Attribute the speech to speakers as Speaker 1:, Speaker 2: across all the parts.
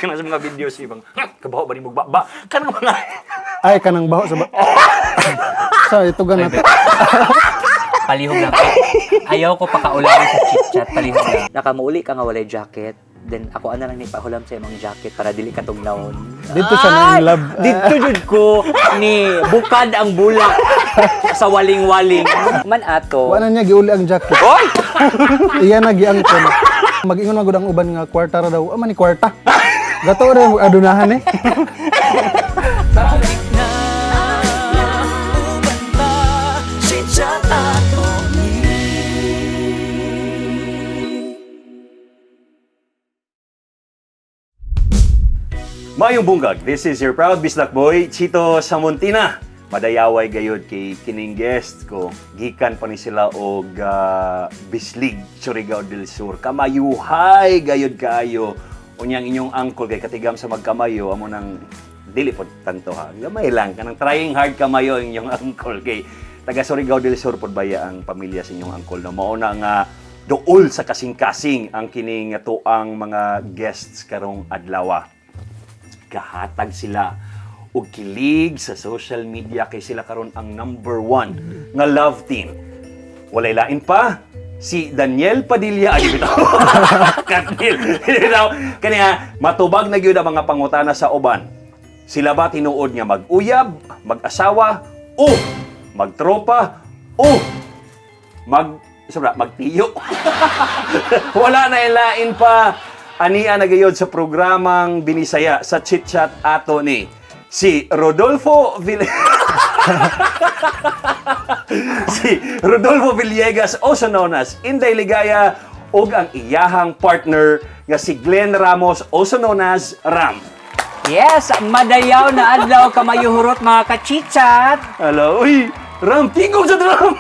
Speaker 1: ka na sa mga videos ibang kabaho ba ni mo ba kanang mga
Speaker 2: Ay, kanang baho sa sa ito ganat.
Speaker 3: Palihog lang. Ayaw ko pakaulamin sa chit-chat. Palihog lang. Nakamuuli ka nga walay jacket. Then ako ana lang ni pahulam sa imong jacket para dili ka tugnawon.
Speaker 2: Dito siya na in love.
Speaker 3: Dito jud ko ni bukad ang bulak sa waling-waling. Man ato.
Speaker 2: Wala niya giuli ang jacket.
Speaker 1: Oy!
Speaker 2: Iya na giangkon. Mag-ingon magud ang uban nga kwarta ra daw. Ama ni kwarta. Gato ra mo adunahan eh.
Speaker 1: Mayong bunggag, this is your proud Bislak boy, Chito Samuntina. Madayaway gayod kay kining guest ko. Gikan pa ni sila og Bislig, Surigao del Sur. Kamayuhay gayod kaayo. Unyang inyong uncle kay katigam sa magkamayo amo nang dili pod tanto ha. Gamay lang kanang trying hard kamayo ang inyong uncle kay taga Surigao del Sur pod baya ang pamilya sa inyong uncle. No mao na nga duol sa kasing-kasing ang kining tuang mga guests karong adlaw. Kahatag sila og kilig sa social media kay sila karon ang number 1 nga love team. Walay lain pa si Daniel Padilla ay bitaw. Katnil. Kaniya matubag na gyud ang mga pangutana sa uban. Sila ba tinuod nga mag-uyab, mag-asawa o magtropa o magtiyo? Wala na ilain pa. Ania na gayod sa programang binisaya sa chit-chat ato ni si Rodolfo Villegas, also known as Inday Ligaya, ug ang iyahang partner nga si Glenn Ramos, also known as Ram.
Speaker 3: Yes, madayaw na adlaw kamayuhurot mga kachichat.
Speaker 1: Hello, uy! Ram, tingog sa drama!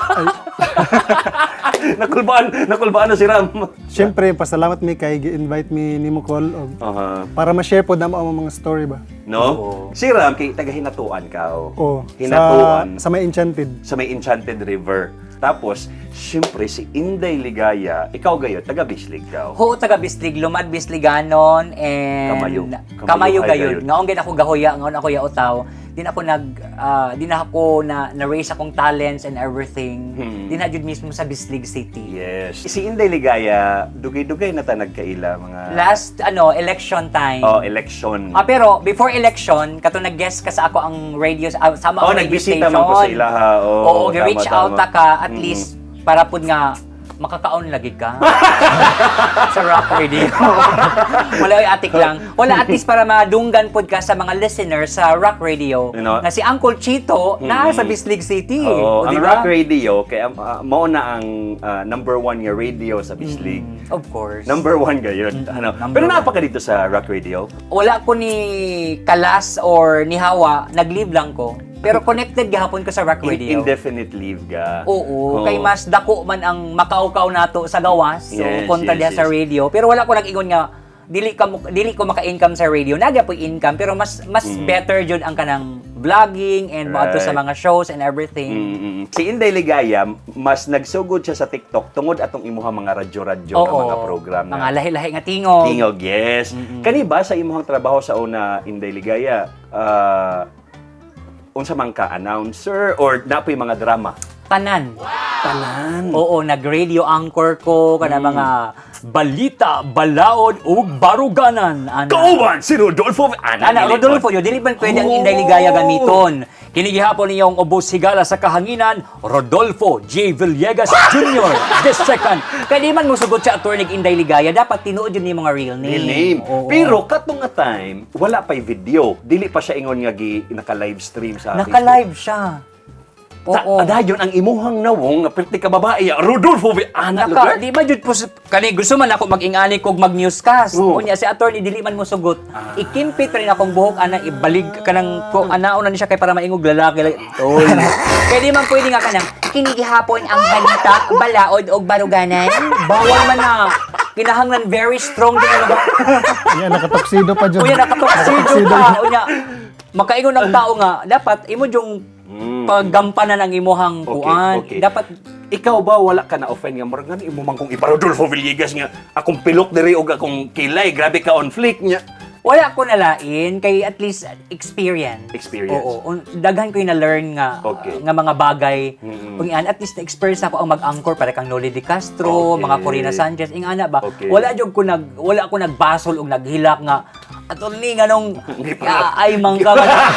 Speaker 1: Nakulbaan na si Ram.
Speaker 2: Siyempre, pasalamat mi kay gi-invite mi nimo call og para ma-share pod namo ang mga story ba.
Speaker 1: No? Si Ram kay taga Hinatuan ka.
Speaker 2: Oh,
Speaker 1: Hinatuan.
Speaker 2: sa may Enchanted.
Speaker 1: Sa may Enchanted River. Tapos, siyempre, si Inday Ligaya, ikaw gayo, taga Bislig ka.
Speaker 3: Ho taga Bislig, lumad Bisliganon and Kamayo gayud. Ngaon gid ako gahoya, ngaon ako yautaw. Di na ako na-raise akong talents and everything. Di na jud mismo sa Bislig City.
Speaker 1: Yes. Si Inday Ligaya, dugay-dugay na ta nagkaila mga
Speaker 3: Last election time.
Speaker 1: election.
Speaker 3: Pero before election, kato nag-guest ka sa ako ang radio sama ang radio
Speaker 1: nagbisita
Speaker 3: station.
Speaker 1: man ko sa ila ha.
Speaker 3: Oo, reach out ka at least para pud nga makakaon lagi ka sa Rock Radio. Wala ay atik lang. Wala at least para madunggan pod ka sa mga listeners sa Rock Radio.
Speaker 1: You know,
Speaker 3: na si Uncle Chito na sa Bislig City.
Speaker 1: Oo, ang
Speaker 3: diba?
Speaker 1: Rock Radio, kaya mao na ang number 1 nga radio sa Bislig.
Speaker 3: Of course.
Speaker 1: Number 1 gayon. Pero napaka dito sa Rock Radio.
Speaker 3: Wala ko ni Kalas or ni Hawa, nag-leave lang ko. Pero connected gahapon ko sa Rock Radio.
Speaker 1: Indefinite leave ka.
Speaker 3: Oo, kay mas dako man ang makaukaw nato sa gawas. So,
Speaker 1: Yes,
Speaker 3: kontra diha
Speaker 1: yes,
Speaker 3: sa
Speaker 1: yes.
Speaker 3: radio. Pero wala ko nag-ingon nga dili ko maka-income sa radio. Naga po income pero mas better jud ang kanang vlogging and moadto sa mga shows and everything.
Speaker 1: Si Inday Ligaya, mas nagsugod siya sa TikTok tungod atong imuhang mga radyo-radyo nga mga program
Speaker 3: mga lahi-lahi nga tingog.
Speaker 1: Tingog, yes. Kani ba sa imuhang trabaho sa una, Inday Ligaya, unsa man ka announcer or napoy mga drama?
Speaker 3: Tanan.
Speaker 1: Tanan.
Speaker 3: Oo, nag-radio anchor ko kana mga balita, balaod ug baruganan.
Speaker 1: Kauban si Rodolfo.
Speaker 3: Rodolfo, yo dili man pwede ang Inday Ligaya gamiton. Kini gihapon niyong ubos higala sa kahanginan, Rodolfo J. Villegas Jr. the second. Kaya di man mo sugot sa attorney Inday Ligaya, dapat tinuod yun yung mga real name.
Speaker 1: Real name.
Speaker 3: Oo.
Speaker 1: Pero katong nga time, wala pa'y video. Dili pa siya ingon nga naka-live stream sa
Speaker 3: Naka-live siya. Oo.
Speaker 1: Adayon ang imuhang nawong nga perti ka babae, Rodolfo lugar.
Speaker 3: Di ba jud po kani gusto man ako mag-ingani kog mag-newscast.
Speaker 1: Oo.
Speaker 3: Unya si attorney dili man mo sugot. Ikimpit rin akong buhok ana ibalig kanang ko anaon na ni siya kay para maingog lalaki. Oy. Kaya di man pwede nga kanang kinigihapon ang balita, balaod og baruganan. Bawal man na. Kinahanglan very strong din ano ba?
Speaker 2: Yan nakatoksido pa jud.
Speaker 3: Unya nakatoksido pa. Unya makaingon ng tao nga dapat imo yung paggampanan ang imuhang kuan.
Speaker 1: Okay.
Speaker 3: Dapat
Speaker 1: Ikaw ba wala ka na offend nga murag ngani imo man kung ipa Rodolfo Villegas nga akong pilok diri og akong kilay, grabe ka on flick nya.
Speaker 3: Wala ko nalain kay at least experience.
Speaker 1: Experience.
Speaker 3: Oo. Daghan ko yung na-learn nga
Speaker 1: Okay.
Speaker 3: nga mga bagay.
Speaker 1: Mm-mm.
Speaker 3: Kung at least na-experience ako ang mag-anchor para kang Noli De Castro,
Speaker 1: Okay.
Speaker 3: mga Corina Sanchez, ingana ba?
Speaker 1: Okay.
Speaker 3: Wala ko nagbasol og naghilak nga attorney nga nung ay mangka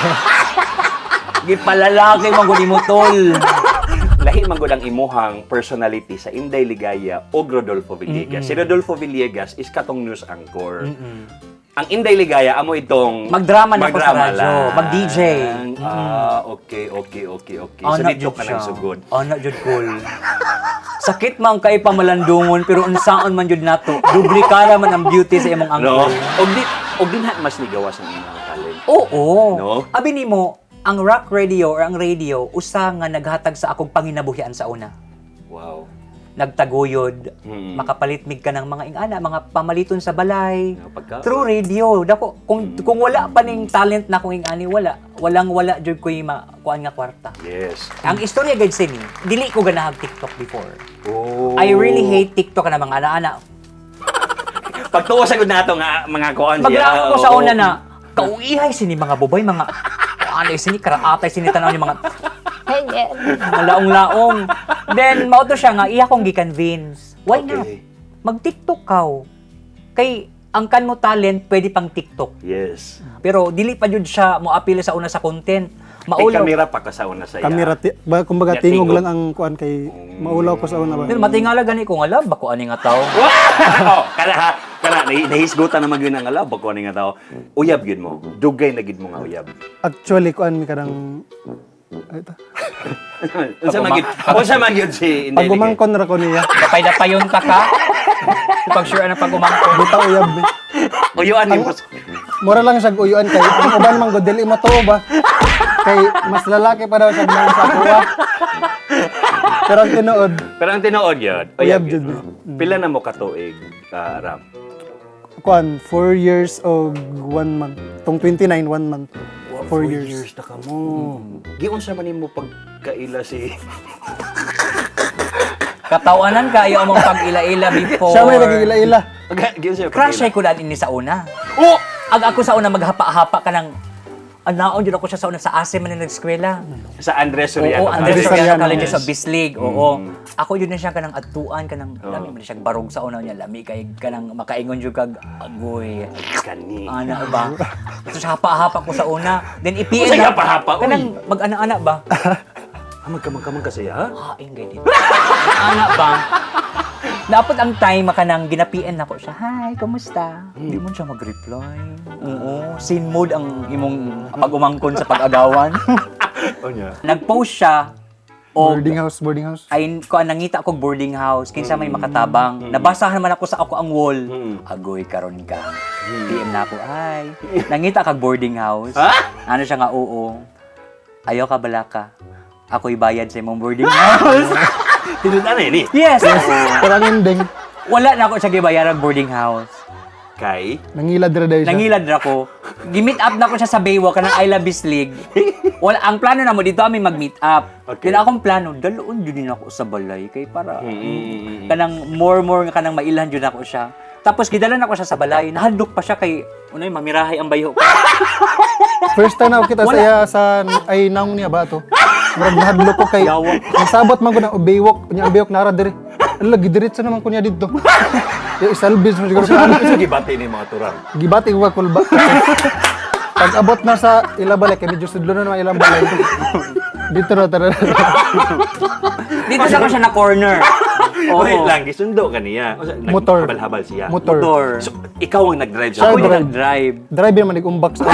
Speaker 3: gipalalaki man gud mo tol.
Speaker 1: Lahi man gud ang imuhang personality sa Inday Ligaya o Rodolfo Villegas. Si Rodolfo Villegas is katong news anchor. Ang Inday Ligaya amo itong
Speaker 3: Magdrama na ko sa radyo,
Speaker 1: lang.
Speaker 3: mag-DJ.
Speaker 1: Okay.
Speaker 3: Oh,
Speaker 1: So
Speaker 3: na
Speaker 1: dito
Speaker 3: jud
Speaker 1: ka
Speaker 3: siya.
Speaker 1: nang sugod.
Speaker 3: Oh, na jud cool. Sakit man kay pamalandungon pero unsaon man jud nato. Duplikara man ang beauty sa imong
Speaker 1: No?
Speaker 3: angkol.
Speaker 1: Og din mas ligawas ang imong talent.
Speaker 3: Oo.
Speaker 1: No?
Speaker 3: Abi nimo, ang rock radio or ang radio usa nga naghatag sa akong panginabuhian sa una.
Speaker 1: Wow.
Speaker 3: Nagtaguyod,
Speaker 1: Mm.
Speaker 3: makapalitmig ka ng mga ingana, mga pamaliton sa balay.
Speaker 1: Nga pagka-
Speaker 3: Through radio. Dako, kung wala pa ning talent na kung ingani, wala jud ko kuan nga kwarta.
Speaker 1: Yes.
Speaker 3: Ang istorya gid sini, dili ko ganahag TikTok before.
Speaker 1: Oh.
Speaker 3: I really hate TikTok na mga ana-ana.
Speaker 1: Pagtuwa sa gud nato nga mga kuan
Speaker 3: Maglako ko sa una na kauihay sini mga bubay, mga ano sini karaatay sini tanaw ni mga mga laong-laong. Then mao to siya nga iya kong gi-convince. Why not?
Speaker 1: Okay.
Speaker 3: Mag-TikTok ka. Kay ang kan mo talent pwede pang TikTok.
Speaker 1: Yes.
Speaker 3: Pero dili pa jud siya mo appeal sa una sa content.
Speaker 1: Ay,
Speaker 3: Maulaw.
Speaker 1: kamera pa ka sa una sa iya.
Speaker 2: Kamera, kumbaga
Speaker 1: Ya,
Speaker 2: tingog
Speaker 1: tingog.
Speaker 2: lang ang kuan kay maulaw ko sa una ba.
Speaker 3: Pero matingala gani ko nga lab bako ani nga tawo.
Speaker 1: Wow! Kana nahisgutan naman yun ang alaw bako ni nga tao. Uyab gyud mo. Dugay na gyud mo nga uyab.
Speaker 2: Actually kuan mi kadang ay ta.
Speaker 1: Unsa man gyud si Inday Ligaya?
Speaker 2: Pagumangkon ra ko niya.
Speaker 3: Dapay-dapayon ta ka. Pag sure na pag-umangkon.
Speaker 2: Bitaw uyab mi.
Speaker 1: Uyuan ni
Speaker 2: Mura lang siya uyuan kay ang uban man go dili mo tuo ba. Kay mas lalaki pa daw siya man sa kuwa. Pero ang tinuod,
Speaker 1: Pero ang tinuod yun,
Speaker 2: Uyab
Speaker 1: uyab
Speaker 2: jud.
Speaker 1: yun. Pila na mo katuig, Ram?
Speaker 2: kuan 4 years o 1 month. Tong 29 1 month. 4 years.
Speaker 1: na ka mo. Giun sa man mo pagkaila si...
Speaker 3: Katawanan kayo mong pag-ila-ila before.
Speaker 2: Siya may nagigila-ila.
Speaker 1: Giun sa
Speaker 3: Crush ay ko daan ini sa una.
Speaker 1: Oh!
Speaker 3: Ag ako sa una maghapa-hapa ka ng anaon jud ako siya sa una sa ASE man na nag-eskwela.
Speaker 1: Sa Andres Soriano.
Speaker 3: Oo, Andres
Speaker 2: Andres
Speaker 3: Soriano
Speaker 2: Soriano.
Speaker 3: College
Speaker 1: Yes.
Speaker 3: sa Bislig. Oo. Ako yun na siya kanang atuan kanang
Speaker 1: Oo.
Speaker 3: lami man siya barog sa una niya lami kay kanang makaingon jud kag agoy.
Speaker 1: Kani.
Speaker 3: Ana ba? Ito siya hapa-hapa ko sa una. Then ipiin
Speaker 1: Usa hapa-hapa, uy.
Speaker 3: Kanang mag-ana-ana ba?
Speaker 1: Magkamang kasi ha?
Speaker 3: Haing gay dito. Ana ba? Dapat ang time makanang ginapian na ko siya. Hi, kumusta? Hindi mo siya mag-reply. Oo. Scene mode ang imong pag-umangkon sa pag-agawan.
Speaker 1: O niya.
Speaker 3: Nag-post siya o
Speaker 2: Boarding house.
Speaker 3: ay ko nangita ko boarding house kinsa may makatabang. Nabasahan man ako sa ako ang wall. Agoy karon ka. PM na ako ay. Nangita kag boarding house.
Speaker 1: Ha?
Speaker 3: Ano siya nga oo. Ayaw ka bala ka. Ako'y bayad sa imong boarding house.
Speaker 1: Tinudan na yun eh.
Speaker 3: Yes.
Speaker 2: Pero ang ending,
Speaker 3: Wala na ako siya gibayarang boarding house.
Speaker 1: Kay?
Speaker 2: nangilad ra daw siya.
Speaker 3: Nangilad ra ko. Gi-meet up na ko siya sa Baywalk kanang I Love Bislig. Wala ang plano na mo dito kami mag-meet up.
Speaker 1: Okay.
Speaker 3: Kaya akong plano, daloon jud din ako sa balay kay para
Speaker 1: Mm.
Speaker 3: kanang more nga kanang mailhan jud ako siya. Tapos gidalan ako siya sa balay, nahadlok pa siya kay unay mamirahay ang bayo.
Speaker 2: First time na ako kita sa iya sa ay naong niya ba to. Murag nahadlok ko kay
Speaker 3: Yawa.
Speaker 2: nasabot man ko ng ubaywok, nya ubaywok nara diri. Ala gidiretso naman ko niya dito. Yung isalbis mo siguro sa
Speaker 1: Ano sa gibati ni mga turang?
Speaker 2: gibati ko ka kulba. Pag abot na sa ilabalik, kay medyo sudlo na naman ilang balay. Dito na tara.
Speaker 3: Dito sa ko siya na corner. Oo.
Speaker 1: Wait lang, gisundo ka niya. O,
Speaker 2: Motor.
Speaker 1: Habal-habal siya.
Speaker 2: Motor.
Speaker 1: So, ikaw ang nag-drive
Speaker 2: Siya
Speaker 1: sa
Speaker 3: Ako
Speaker 2: drive.
Speaker 3: yung nag-drive.
Speaker 2: Driver man nag-umbak sa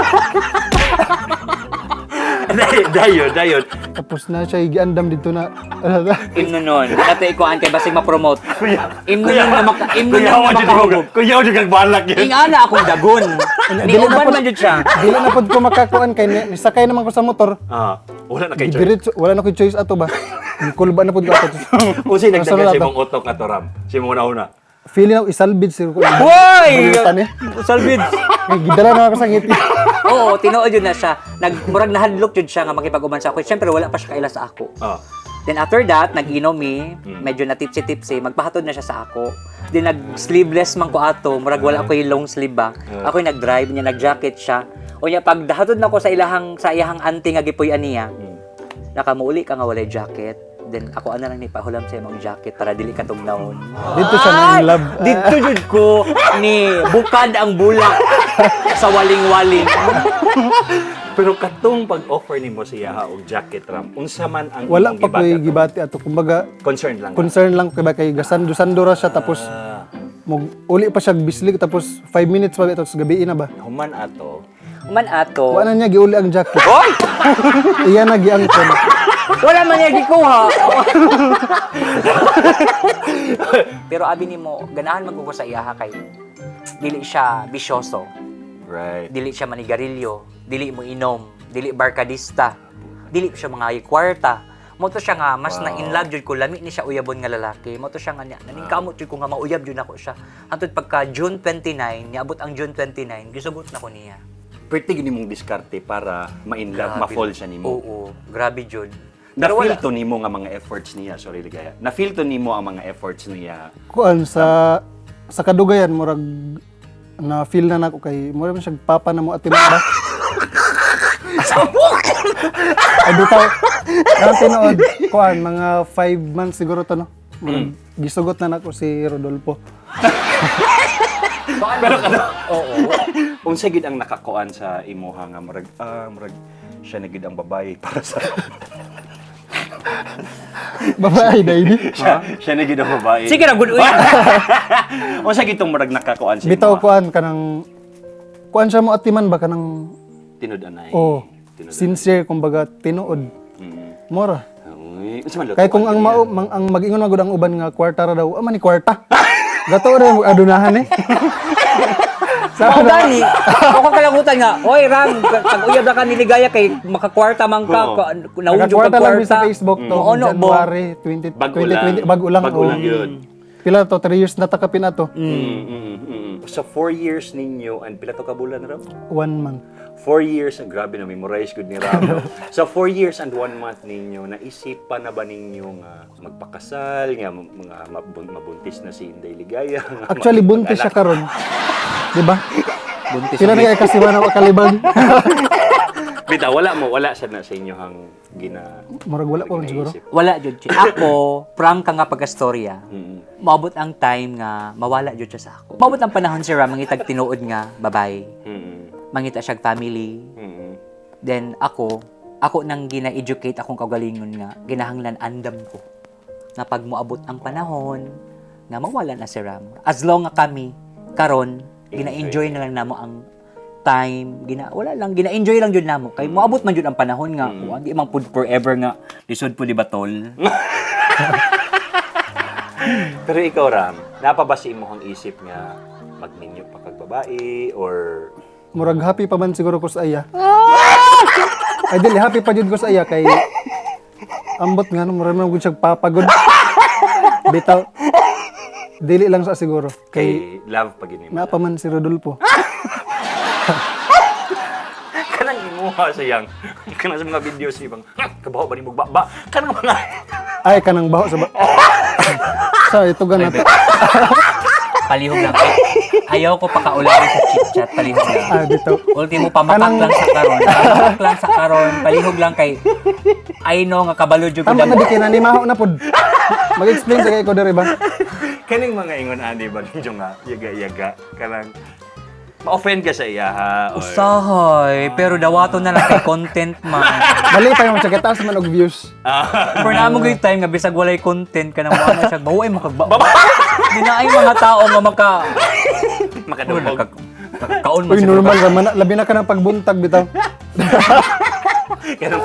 Speaker 1: Dayon.
Speaker 2: tapos na siya giandam dito na.
Speaker 3: Imno nun. Dati ikuan kay basig ma-promote. Imno nun na makahubog.
Speaker 1: Kuya, di kang balak yun.
Speaker 3: Ingana akong dagon. Ni uban man jud siya.
Speaker 2: Dili na pod ko makakuan kay nisakay naman ko sa motor.
Speaker 1: Ah, wala na kay choice.
Speaker 2: Gidiretso, wala na ko choice ato ba. Kulba na pod ko ato.
Speaker 1: Usi nagdagan
Speaker 2: Kasunod
Speaker 1: si
Speaker 2: ato.
Speaker 1: mong utok ato ram. Si mong una.
Speaker 2: Feeling ako isalbid sir ko.
Speaker 3: Hoy!
Speaker 2: Balitan eh.
Speaker 3: Salvid.
Speaker 2: May gidala na ako sa ngiti.
Speaker 3: Oo, tinuod yun na siya. Murag nahadlok yun siya nga makipag-uman sa ako. Siyempre, wala pa siya kaila sa ako.
Speaker 1: Ah.
Speaker 3: Then after that, nag-inom mi, medyo na tipsy-tipsy, magpahatod na siya sa ako. Then nag-sleeveless man ko ato, murag wala ko yung long sleeve ba. Ako yung nag-drive niya, nag-jacket siya. O niya, pag dahatod na ko sa iyahang auntie nga gipoy aniya, nakamuuli ka nga walay jacket. Then ako ana lang ni pahulam sa imong jacket para dili ka tugnawon.
Speaker 2: Dito siya na in love.
Speaker 3: Dito jud ko ni bukad ang bulak sa waling-waling.
Speaker 1: Pero katong pag-offer nimo siya og jacket ram, unsa man ang
Speaker 2: Wala
Speaker 1: imong
Speaker 2: pa ko
Speaker 1: gibati?
Speaker 2: gibati ato. Kumbaga,
Speaker 1: Concerned lang.
Speaker 2: concern lang ko ba kay gasando-sando ra siya tapos uli pa siya bislig tapos 5 minutes pa tapos gabi na ba.
Speaker 1: Human ato.
Speaker 3: Man ato.
Speaker 2: Wala niya giuli ang jacket.
Speaker 3: Hoy!
Speaker 2: Iya na giangkon.
Speaker 3: Wala man niya gikuha. Pero abi nimo, ganahan man ko sa iyaha kay dili siya bisyoso,
Speaker 1: Right.
Speaker 3: dili siya manigarilyo, dili mo inom, dili barkadista, dili siya mga kwarta. Mo to siya nga mas na in love jud ko lami ni siya uyabon nga lalaki. Mo to siya nga naning kamot jud ko nga mauyab jud nako siya. Hantod pagka June 29, niabot ang June 29, gisugot na ko niya.
Speaker 1: Pretty gini mong diskarte para ma-inlove,
Speaker 3: Grabe.
Speaker 1: ma-fall siya nimo.
Speaker 3: Oo, grabe jud.
Speaker 1: Na-feel to nimo nga mga efforts niya, sorry ligaya. Na-feel to nimo ang mga efforts niya.
Speaker 2: Kuan sa kadugayan murag na feel na nako kay murag man siya papa na mo at ba. Ay bitaw. Ang tinuod kuan mga 5 months siguro to no. Murag gisugot na nako si Rodolfo.
Speaker 1: Pero kada
Speaker 3: Oo.
Speaker 1: unsa gid ang nakakuan sa imuha nga murag siya na gid ang babae para sa
Speaker 2: Babae na ini.
Speaker 1: siya na gid ang babae.
Speaker 3: Sige ra gud uy.
Speaker 1: Unsa gid tong murag nakakuan sa
Speaker 2: Bitaw
Speaker 1: imuha?
Speaker 2: kuan kanang kuan siya mo atiman ba kanang
Speaker 1: Tinud-anay.
Speaker 2: oh
Speaker 1: Tinud-anay.
Speaker 2: sincere kumbaga tinuod. Mora.
Speaker 1: Uy, unsa man
Speaker 2: Kay kung ang ang mag-ingon magud ang uban nga kwarta ra daw, ama ni kwarta. Gato ra mo adunahan eh.
Speaker 3: Mao gani. Ako kalagutan nga. Oy Ram, pag uyab na ka niligaya kay makakwarta man ka, naudyo
Speaker 2: Nagkwarta
Speaker 3: ka
Speaker 2: lang
Speaker 3: kwarta.
Speaker 2: mi sa Facebook to.
Speaker 3: Ano bo?
Speaker 2: January 20,
Speaker 1: Bago
Speaker 2: 2020
Speaker 1: lang.
Speaker 2: bago lang.
Speaker 1: Bago lang yun.
Speaker 2: Pila to 3 years na takapin ato.
Speaker 1: Sa 4 years ninyo, and pila to ka bulan Ram?
Speaker 2: 1 month.
Speaker 1: 4 years, ang grabe na memorize good ni Ram. Sa 4 years and 1 month ninyo, naisipan na ba ninyo nga magpakasal, nga mga mabuntis na si Inday Ligaya?
Speaker 2: Actually buntis siya karon. Di ba?
Speaker 3: Buntis.
Speaker 2: Sila na kay kasiwa na kalibang.
Speaker 1: Bita, wala siya na sa inyo hang
Speaker 2: Murag wala pa man siguro.
Speaker 1: ginaisip.
Speaker 3: Wala jud siya. Ako, prank ka nga pagkastorya.
Speaker 1: Mm.
Speaker 3: Maabot ang time nga mawala jud siya sa ako. Maabot ang panahon si Ram mangitag tinuod nga babae.
Speaker 1: Mm.
Speaker 3: Mangita siya family.
Speaker 1: Mm.
Speaker 3: Then ako nang gina-educate akong kagalingon nga ginahanglan andam ko. Na pag moabot ang panahon nga mawala na si Ram. As long nga kami karon gina-enjoy na lang namo ang time, wala lang gina-enjoy lang jud namo kay moabot man jud ang panahon nga di man pud forever nga lisod pud di ba tol.
Speaker 1: Pero ikaw, Ram, napabasi mo ang isip nga magninyo pa kag babae or
Speaker 2: Murag happy pa man siguro ko sa iya. Ay dili happy pa jud ko sa iya kay ambot nga no murag man gud siya papagod. Bitaw. Dili lang sa siguro kay
Speaker 1: kay love pag inimo?
Speaker 2: naa pa man si Rodolfo.
Speaker 1: Kanang imuha sa yang kanang sa mga videos ibang kabaho ba ni ba kanang mga
Speaker 2: Ay kanang baho sa sa ito ganat.
Speaker 3: Palihog lang. Ayaw ko pakaulawi sa chit-chat, palihog lang.
Speaker 2: Ah dito.
Speaker 3: Ultimo pamapak lang sa karon. Pamapak lang sa karon, palihog lang kay I know nga kabalo jud ko
Speaker 2: Tama na
Speaker 3: damo.
Speaker 2: di kinanimaho na pod. Mag-explain sa kay ko diri ba?
Speaker 1: kaning mga ingon ani ba ninyo nga yaga-yaga kanang ma-offend ka sa iya ha or
Speaker 3: Usahay, pero dawato na lang kay content man.
Speaker 2: Dali pa yung tsaketaas man og views.
Speaker 3: For namo gyud time nga bisag walay content ka na mo ano siya, baway makagbaba. Di na ay mga tao nga
Speaker 1: makadungog
Speaker 3: kaon mo
Speaker 2: Uy
Speaker 3: siguro.
Speaker 2: normal ra man labi na ka ng pagbuntag bitaw.
Speaker 1: kanang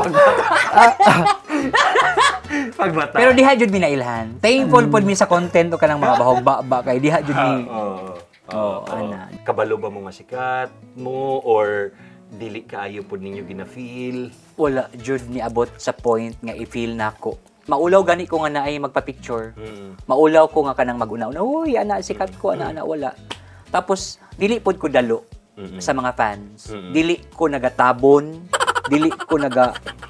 Speaker 1: pagbata
Speaker 3: Pero diha jud mi nailhan. Thankful pod mi sa content o kanang mga bahog-ba kay diha jud mi. ana.
Speaker 1: Kabalo ba mo nga sikat mo or dili kaayo pod ninyo gina-feel?
Speaker 3: Wala jud ni abot sa point nga i-feel nako. Maulaw gani ko nga naay magpa-picture. Maulaw ko nga kanang mag-una-una. Uy, ana sikat ko, ana wala. Tapos dili pod ko dalo sa mga fans. Dili ko nagatabon, dili ko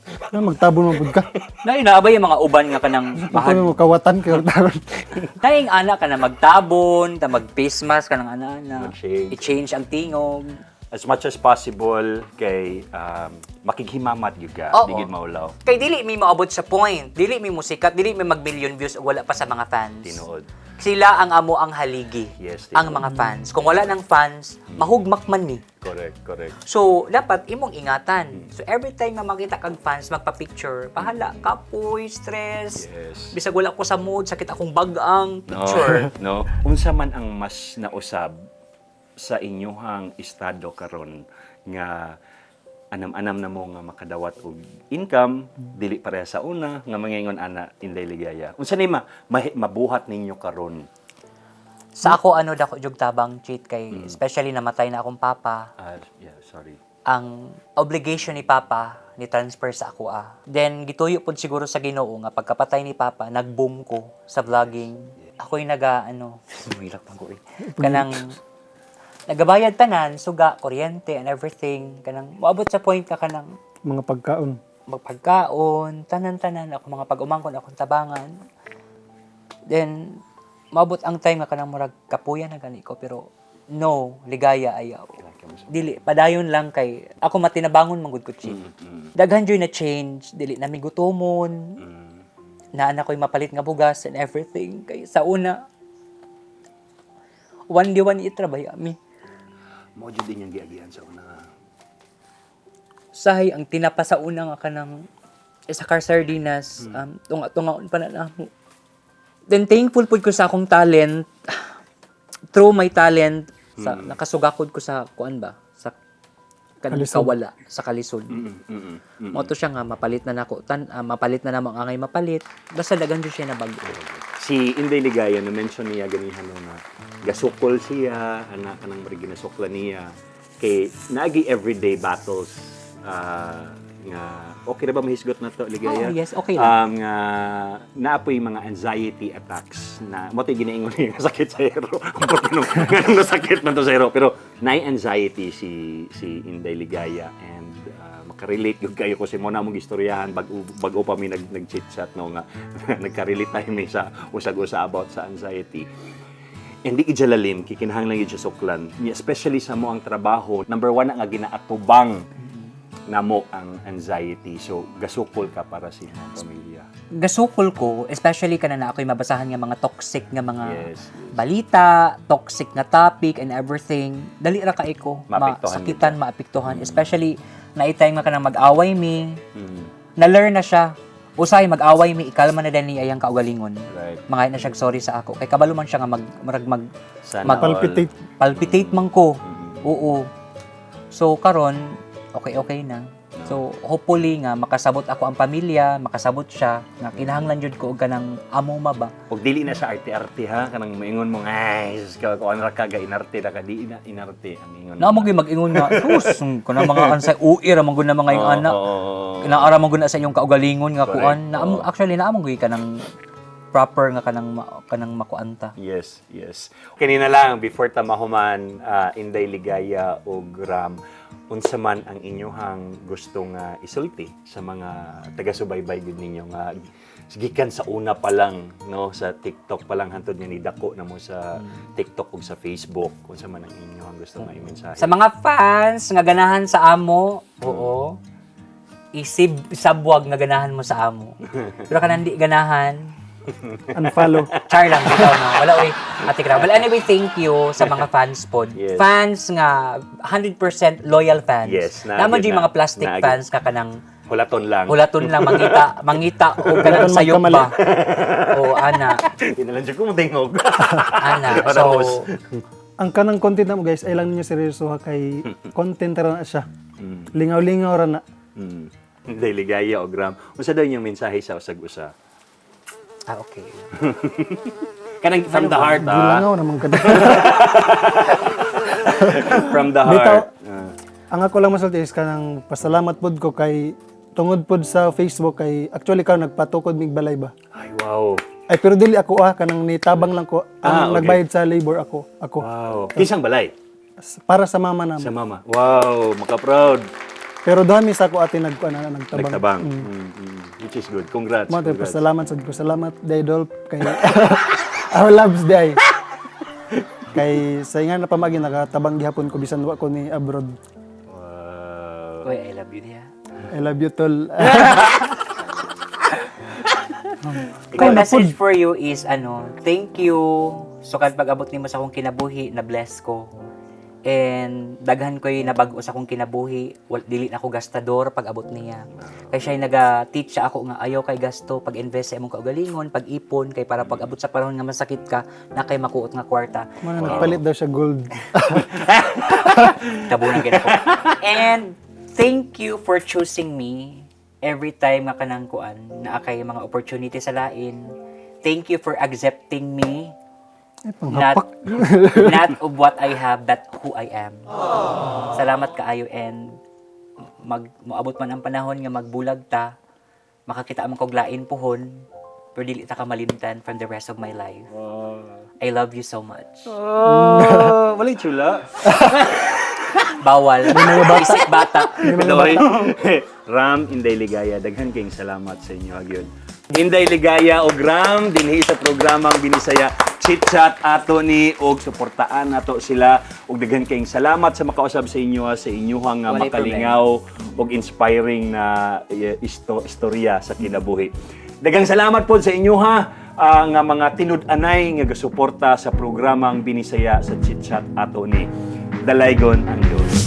Speaker 2: Magtabon mo pud ka.
Speaker 3: Na inaabay yung mga uban nga kanang bahag.
Speaker 2: Ako mo kawatan kay taron.
Speaker 3: Naing ana ka na magtabon, ta mag-face mask ka ng ana.
Speaker 1: Mag-shave.
Speaker 3: I-change ang tingog.
Speaker 1: As much as possible kay makighimamat gyud ka,
Speaker 3: Oo.
Speaker 1: di gyud maulaw.
Speaker 3: Kay dili mi maabot sa point, dili mi musikat, dili mi mag-million views ug wala pa sa mga fans.
Speaker 1: Tinuod.
Speaker 3: Sila ang amo ang haligi.
Speaker 1: Yes,
Speaker 3: ang mga fans. Kung wala ng fans, mahugmak man ni.
Speaker 1: Correct.
Speaker 3: So, dapat imong ingatan. So, every time na makita kag fans magpa-picture, pahala, kapoy, stress.
Speaker 1: Yes.
Speaker 3: Bisag wala ko sa mood, sakit akong bagang picture.
Speaker 1: No. Unsa man ang mas nausab sa inyuhang estado karon nga anam-anam na mo nga makadawat og income dili pareha sa una nga mangingon ana Inday Ligaya. Unsa ni mabuhat ninyo karon?
Speaker 3: Sa ako, dako jug tabang cheat kay, especially namatay na akong papa.
Speaker 1: Yeah, sorry.
Speaker 3: Ang obligation ni Papa ni transfer sa ako Then gituyo pud siguro sa Ginoo nga pagkapatay ni Papa, nag-boom ko sa vlogging. Ako'y hirap pang ko kanang nagabayad tanan, suga, kuryente and everything. Kanang moabot sa point ka kanang
Speaker 2: Mga pagkaon.
Speaker 3: magpagkaon, tanan-tanan ako mga pag-umangkon akong tabangan. Then moabot ang time nga kanang murag kapuya na gani ko pero no, ligaya ayaw. Dili, padayon lang kay ako matinabangon manggod ko cheat. Daghan joy na change, dili na mi gutomon. Na anak ko'y mapalit nga bugas and everything. Kay sa una, one day one itrabay mi.
Speaker 1: Mo jud din yung giagian sa una.
Speaker 3: Sahay ang tinapa sa una nga kanang sa car sardinas, tunga-tungaon pa na namo. Then thankful pud ko sa akong talent. Through my talent, sa nakasugakod ko sa kuan ba? Sa kanang
Speaker 2: Kalisod.
Speaker 3: kawala, sa kalisod. Mo to siya nga mapalit na nako, mapalit na namang angay mapalit. Basta dagan jud siya na bago.
Speaker 1: Si Inday Ligaya na mention niya ganihan na gasukol siya, anak kanang mari ginasukla niya kay naagi everyday battles nga okay na ba mahisgot na to Ligaya?
Speaker 3: Oh, yes, okay lang.
Speaker 1: Nga naapoy mga anxiety attacks na mo tay ginaingon niya nga sakit sa hero. Ganun na sakit man to sa hero pero naay anxiety si Inday Ligaya and makarelate gyud kayo kasi mo na mong istoryahan bag-o pa mi nag-chit chat no nga nagka-relate tayo mi sa usag-usa about sa anxiety. Hindi ijalalim kikinahanglan gyud sa suklan, especially sa mo ang trabaho. Number 1 nga ginaatubang namo ang anxiety. So gasukol ka para sa imong pamilya.
Speaker 3: Gasukol ko, especially kana na ako'y mabasahan nga mga toxic nga mga
Speaker 1: Yes.
Speaker 3: balita, toxic nga topic and everything. Dali ra kay ko
Speaker 1: Maapektuhan
Speaker 3: masakitan, maapektuhan, especially na itime nga kanang mag-away mi.
Speaker 1: Mm.
Speaker 3: Na-learn na siya. Usay mag-away mi, ikalma na din ni ayang kaugalingon.
Speaker 1: Right.
Speaker 3: Mga na siya sorry sa ako. Kay kabalo man siya nga
Speaker 1: Sana
Speaker 2: Palpitate.
Speaker 3: palpitate man ko. Oo. So karon okay na. So hopefully nga makasabot ako ang pamilya, makasabot siya nga kinahanglan jud ko og kanang amo ba.
Speaker 1: Og dili na sa arte-arte ha kanang maingon mo ay sus ka ko ra ka inarte ra ka di na inarte ang ingon.
Speaker 3: Na mo gyud mag-ingon nga sus kuna mga ansay uir man gud na mga yung anak. Kinaara man gud na sa inyong kaugalingon nga
Speaker 1: Correct.
Speaker 3: kuan. Na actually na gyud kanang proper nga kanang makuanta.
Speaker 1: Yes. Kanina lang before ta mahuman Inday Ligaya og Ram unsa man ang inyohang gusto nga isulti sa mga taga-subaybay gud ninyo nga gikan sa una pa lang no sa TikTok pa lang hantod nga nidako na mo sa TikTok ug sa Facebook unsa man ang inyohang gusto nga imensahe.
Speaker 3: Sa mga fans nga ganahan sa amo, oo. Isabwag nga ganahan mo sa amo. Pero kanang di ganahan,
Speaker 2: Unfollow.
Speaker 3: char lang bitaw no. Wala oy. Ate Kra. Well, anyway, thank you sa mga fans pod.
Speaker 1: Yes.
Speaker 3: Fans nga 100% loyal fans.
Speaker 1: Yes,
Speaker 3: Naman
Speaker 1: naagid
Speaker 3: yung
Speaker 1: na.
Speaker 3: mga plastic
Speaker 1: Naagid.
Speaker 3: fans ka kanang
Speaker 1: Hulaton lang.
Speaker 3: hulaton lang mangita o kanang
Speaker 2: Hulaton
Speaker 3: sayop
Speaker 2: magkamali.
Speaker 3: ba. O ana,
Speaker 1: Inalan jud ko mo tingog.
Speaker 3: ana.
Speaker 1: Para
Speaker 3: So
Speaker 1: hos.
Speaker 2: Ang kanang content na mo guys, ay lang ninyo seryoso ha kay content ra na siya. Lingaw-lingaw ra na.
Speaker 1: Inday Ligaya og Ram. Unsa daw yung mensahe sa usag-usa?
Speaker 3: okay.
Speaker 1: Kanang from the heart
Speaker 2: Gilangaw naman kada.
Speaker 1: From the
Speaker 2: Bitaw,
Speaker 1: heart.
Speaker 2: ang ako lang masulti is kanang pasalamat pod ko kay tungod pod sa Facebook kay actually karon nagpatukod mig balay ba.
Speaker 1: Ay wow.
Speaker 2: Ay pero dili ako kanang nitabang lang ko ang
Speaker 1: okay.
Speaker 2: nagbayad sa labor ako.
Speaker 1: Wow. Kisang balay
Speaker 2: Para sa mama namin.
Speaker 1: sa mama. Wow, maka-proud.
Speaker 2: Pero doon mi sa ko ate nagtabang.
Speaker 1: Nagtabang. Which is good. Congrats.
Speaker 2: Mo tayo
Speaker 1: Congrats.
Speaker 2: pasalamat sa ko. Salamat day Dolph kay our loves day. Kay sa nga na pamagi nakatabang gihapon ko bisan wa ko ni abroad.
Speaker 1: Wow.
Speaker 3: Uy, I love you niya.
Speaker 2: I love you tol.
Speaker 3: My message for you is thank you. So kad pag-abot nimo sa akong kinabuhi, na bless ko. And daghan ko'y nabag-o sa akong kinabuhi, dili na ako gastador pag-abot niya. Kay siya naga-teach siya ako nga ayaw kay gasto, pag-invest sa imong kaugalingon, pag-ipon, kay para pag-abot sa panahon nga masakit ka, na kay makuot nga kwarta.
Speaker 2: Mana nagpalit daw siya gold.
Speaker 3: Tabunan gid ako. And thank you for choosing me every time nga kanang kuan na kay mga opportunity sa lain. Thank you for accepting me.
Speaker 2: Ay,
Speaker 3: Not,
Speaker 2: panghapak.
Speaker 3: not of what I have, but who I am. Salamat kaayo and moabot man ang panahon nga magbulag ta, makakita man kog lain pohon, pero dili ta ka malimtan from the rest of my life. I love you so much.
Speaker 1: Oh, walay chula.
Speaker 3: Bawal. Isip bata.
Speaker 1: Pinoy. Ram, Inday Ligaya, daghan kayong salamat sa inyo agyon. Inday Ligaya og Ram dinhi sa programang Binisaya Chit-chat ato ni og suportaan nato sila og daghan kayong salamat sa makausab sa inyo sa inyuhang
Speaker 3: Walay
Speaker 1: makalingaw og inspiring na istorya sa kinabuhi. Daghang salamat po sa inyo nga mga tinud-anay nga gasuporta sa programang Binisaya sa Chit-chat ato ni Dalaygon ang Diyos.